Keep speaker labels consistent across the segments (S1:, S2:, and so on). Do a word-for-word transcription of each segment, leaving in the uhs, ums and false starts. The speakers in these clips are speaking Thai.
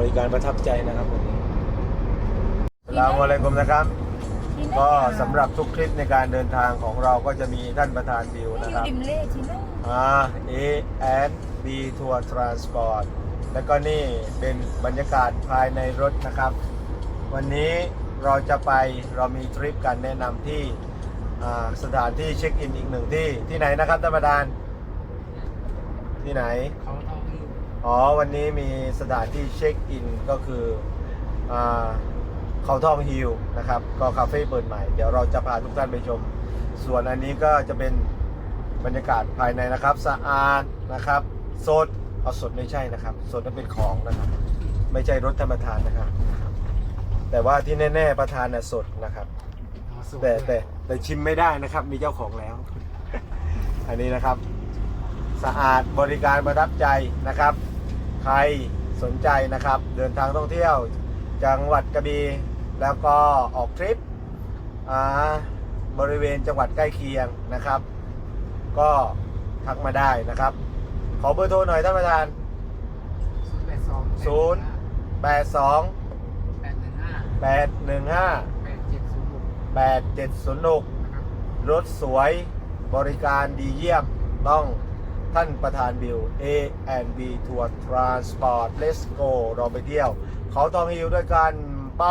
S1: ริการประทับใจนะครับวันนี้อัสสลามุอะลัยกุมนะครับก็สำหรับทุกคลิปในการเดินทางของเราก็จะมีท่านประธานบิวนะครับอ่า เอ แอนด์ บี Tour Transport แล้วก็นี่เป็นบรรยากาศภายในรถนะครับวันนี้เราจะไปเรามีทริปการแนะนำที่สถานที่เช็คอินอีกหนึ่งที่ที่ไหนนะครับท่านประธานที่ไหนเขาทองฮิลอ๋อวันนี้มีสถานที่เช็คอินก็คืออ่าเขาทองฮิลนะครับก็คาเฟ่เปิดใหม่เดี๋ยวเราจะพาทุกท่านไปชมส่วนอันนี้ก็จะเป็นบรรยากาศภายในนะครับสะอาดนะครับสดเอาสดไม่ใช่นะครับสดนั้นเป็นของนะครับไม่ใช่รถท่านประธานนะครับแต่ว่าที่แน่ๆประธานน่ะสดนะครับแต่แต่แต่ชิมไม่ได้นะครับมีเจ้าของแล้ว อันนี้นะครับสะอาดบริการประทับใจนะครับใครสนใจนะครับเดินทางท่องเที่ยวจังหวัดกระบี่แล้วก็ออกทริปบริเวณจังหวัดใกล้เคียงนะครับก็ทักมาได้นะครับขอเบอร์โทรหน่อยท่านประธานศูนย์ แปด สอง แปด หนึ่ง ห้า แปด เจ็ด ศูนย์ หกรถสวยบริการดีเยี่ยมต้องท่านประธานบิว เอ แอนด์ บี Tour Transport Let's go เราไปเที่ยวเขาทองฮิลด้วยกันไป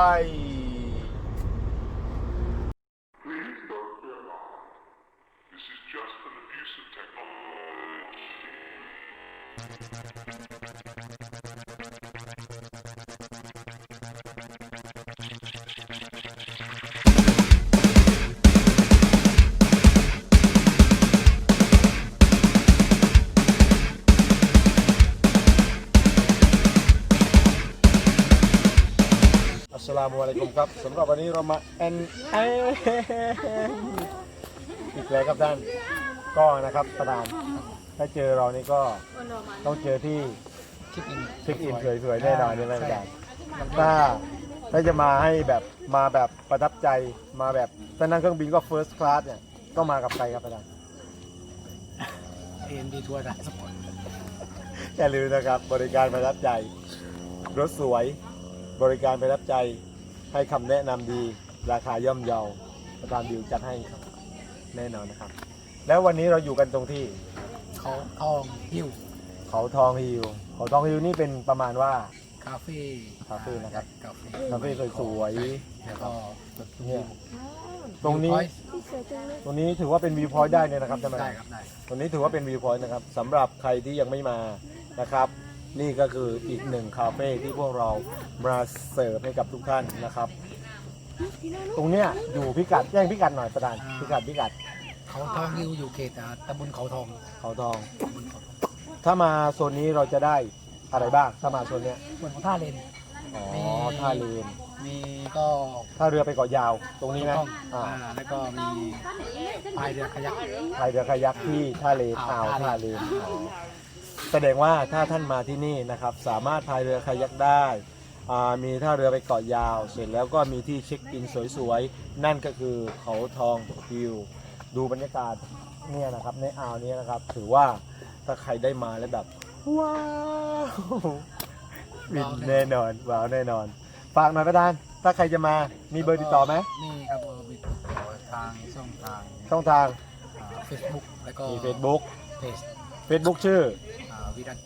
S1: อัสสลามุอะลัยกุมครับสำหรับวันนี้เรามาแอนแอนอีกแล้วครับท่านก็นะครับประธานถ้าเจอเรานี่ก็ต้องเจอที่เช็คอินเช็คอินสวยๆแน่นอนนี่แหละอาจารย์ถ้าถ้าจะมาให้แบบมาแบบประทับใจมาแบบถ้านั่งเครื่องบินก็ First Class เนี่ยต้องมากับใครครับอาจารย์
S2: เอ็น บี Tour Transport
S1: อย่าลืมนะครับบริการประทับใจรถสวยบริการประทับใจให้คำแนะนำดีราคาย่อมเยาประธานบิวจัดให้ครับแน่นอนนะครับแล้ววันนี้เราอยู่กันตรงที่
S2: เขาทองฮิล
S1: เขาทองฮิลเขาทองฮิลนี่เป็นประมาณว่า
S2: คาเฟ่
S1: คาเฟ่นะครับ
S2: คาเฟ่
S1: คาเฟ่สวย
S2: ๆแล้วก็
S1: เนี่ยตรงนี้ตรงนี้ถือว่าเป็นวิวพอยต์ได้เลยนะครับท่านประธาน
S2: ได้ครับได้
S1: ตรงนี้ถือว่าเป็นวิวพอยต์นะครับสำหรับใครที่ยังไม่มานะครับนี่ก็คืออีกหนึ่งคาเฟ่ที่พวกเรามาเสิร์ฟให้กับทุกท่านนะครับตรงเนี้ยอยู่พิกัดแจ้งพิกัดหน่อยประธานพิกัดพิกัด
S2: เขาทองฮิลอยู่เขตตำบลเขาทอง
S1: เขาทองถ้ามาโซนนี้เราจะได้อะไรบ้างถ้ามาโซนเนี้ย
S2: เหมือนท่าเลน
S1: อ๋อท่าเลน
S2: มีก็
S1: ท่าเรือไปเกาะยาวตรงนี้นะ
S2: อ่าแล้วก็มีพายเรือคายัก
S1: พายเรือคายักที่ท่าเลนอ่าวท่าเลนแสดงว่าถ้าท่านมาที่นี่นะครับสามารถพายเรือคายักได้มีท่าเรือไปเกาะยาวเสร็จแล้วก็มีที่เช็คอินสวยๆนั่นก็คือเขาทองฮิลดูบรรยากาศเนี่ยนะครับในอ่าวนี้นะครับถือว่าถ้าใครได้มาแล้วแบบว้าวบินแน่นอนว้าวแน่นอนฝากหน่อยประธานถ้าใครจะมามีเบอร์ติดต่อไหม
S2: นี่ครับเบอร์ติดต่อทางช่องทาง
S1: ช่องทาง
S2: เฟซบุ๊ก แล้วก็
S1: มี Facebook
S2: เพจ
S1: Facebook ชื่อ
S2: วิรัต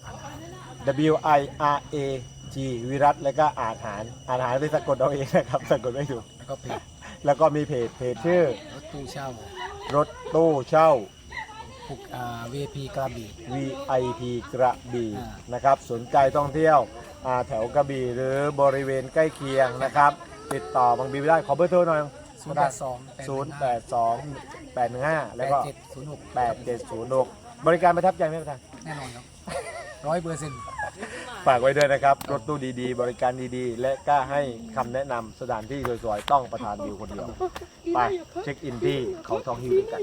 S1: W I R A G วิรัตแล้วก็อาหารอาหารไปสะกดเอาเองนะครับสะกดไม่ถูก
S2: แล้วก็เพจ
S1: แล้วก็มีเพจเพจชื่อ
S2: รถตู้เช่าร
S1: ถตู้เช่า
S2: วี ไอ พี กระบี่
S1: วี ไอ พี กระบี่นะครับสนใจท่องเที่ยวแถวกระบี่หรือบริเวณใกล้เคียงนะครับติดต่อบางบีได้ขอเบอร์โทรหน่อย
S2: ศูนย์ แปด สอง
S1: ศูนย์ แปด สอง แปด หนึ่ง ห้าแล้วก็
S2: แปด เจ็ด ศูนย์ หก
S1: แปด เจ็ด ศูนย์ หกบริการประทับใจไหมครับ
S2: แน่นอนครับร้อยเปอร์เซ็นต์
S1: ฝากไว้ด้วยนะครับรถตู้ดีๆบริการดีๆและกล้าให้คำแนะนำสถานที่สวยๆต้องประธานวิวคนเดียวไปเช็คอินที่เขาทองฮิลกัน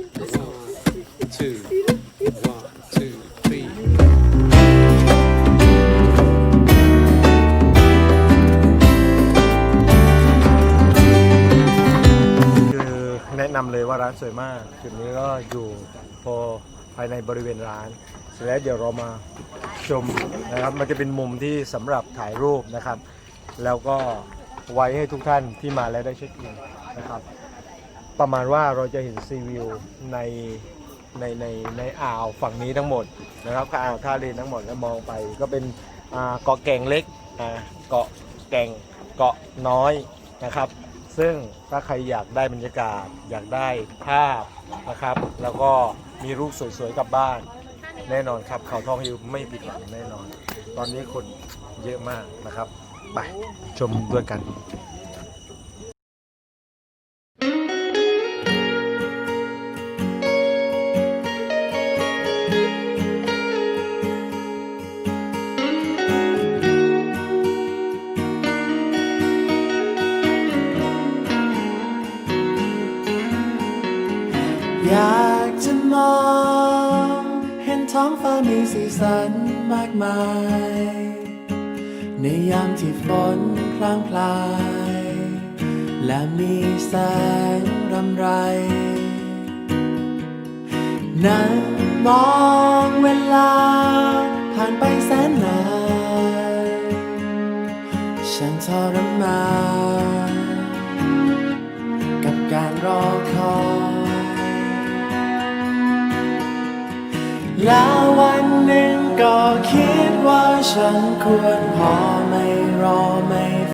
S3: two one two three
S1: คือแนะนำเลยว่าร้านสวยมากจุดนี้ก็อยู่พอภายในบริเวณร้านเสแล้วเดี๋ยวเรามาชมนะครับมันจะเป็นมุมที่สำหรับถ่ายรูปนะครับ แล้วก็ไว้ให้ทุกท่านที่มาแล้วได้เช็คอินนะครับ ประมาณว่าเราจะเห็นซีวิวในในในในอ่าวฝั่งนี้ทั้งหมดนะครับอ่าวท่าเลนทั้งหมดแล้วมองไปก็เป็นอ่าเกาะแก่งเล็กอ่าเกาะแก่งเกาะน้อยนะครับ ซึ่งถ้าใครอยากได้บรรยากาศอยากได้ภาพนะครับ แล้วก็มีรูปสวยๆกลับบ้านแน่นอนครับเขาทองฮิลไม่ผิดหวังแน่นอน ตอนนี้คนเยอะมากนะครับไปชมด้วยกัน
S4: อยากจะมองเห็นท้องฟ้ามีสีสันมากมาย ในยามที่ฝนพลางพลาย และมีแสงรำไร นั่งมองเวลาผ่านไปแสนนานฉันทรมานกับการรอคอย แล้ววันหนึ่งก็คิดว่าฉันควรพอไม่รอไม่